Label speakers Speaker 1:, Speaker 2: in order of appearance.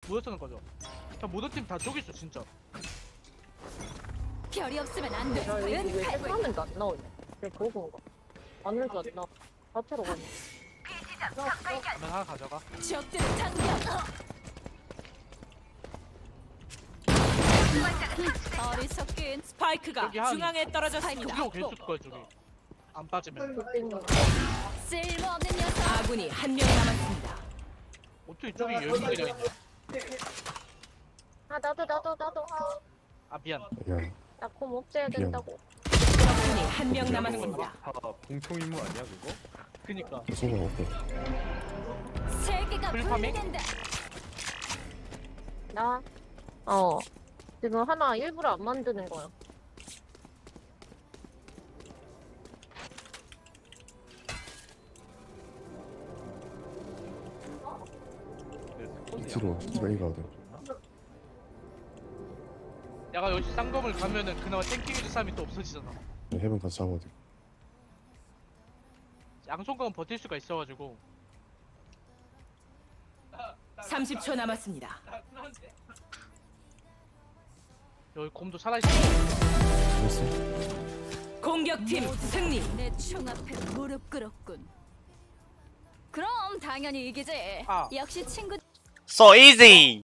Speaker 1: 모여 쓰는 거죠. 모든 팀 다 저기 있어 진짜.
Speaker 2: 별이 없으면 안 돼.
Speaker 3: 야, 여기 왜 화면도 안 나오냐? 왜 보고 가? 안늘도 안 나와. 자체로 가네.
Speaker 1: 그러면 하나 가져가.
Speaker 2: 적들을 당겨. 어리석긴.
Speaker 4: 스파이크가
Speaker 1: 여기 한-
Speaker 4: 중앙에 떨어졌습니다.
Speaker 1: 저기로 계속 거야 저기. 안 빠지면.
Speaker 2: 쓸모없는 녀석.
Speaker 4: 아군이 한 명 남았습니다.
Speaker 1: 어떻게 저기 열리 그냥 있냐?
Speaker 3: 아, 나도.
Speaker 1: 아 미안.
Speaker 5: 야,
Speaker 3: 나곰 없애야
Speaker 5: 미안.
Speaker 3: 된다고.
Speaker 4: 적군이 한 명 남았습니다.
Speaker 6: 공통 임무 아니야 그거?
Speaker 1: 그니까.
Speaker 5: 소가 없고.
Speaker 2: 세계가
Speaker 1: 풀파밍?
Speaker 2: 분리된다.
Speaker 3: 나? 지금 하나 일부러 안 만드는 거야.
Speaker 5: 뒤로 이가 어디?
Speaker 1: 내가 여기 쌍검을 가면은 그나마 땡기기도 사람이 또 없어지잖아.
Speaker 5: 해변 가서 잡아야 돼.
Speaker 1: 양손검은 버틸 수가 있어가지고.
Speaker 4: 30초 남았습니다.
Speaker 1: 여기 곰도 살아있어.
Speaker 5: 됐어?
Speaker 4: 공격팀 승리.
Speaker 2: 내 총 앞에 무릎 꿇었군. 그럼 당연히 이기지.
Speaker 1: 아.
Speaker 2: 역시 친구.
Speaker 7: So easy.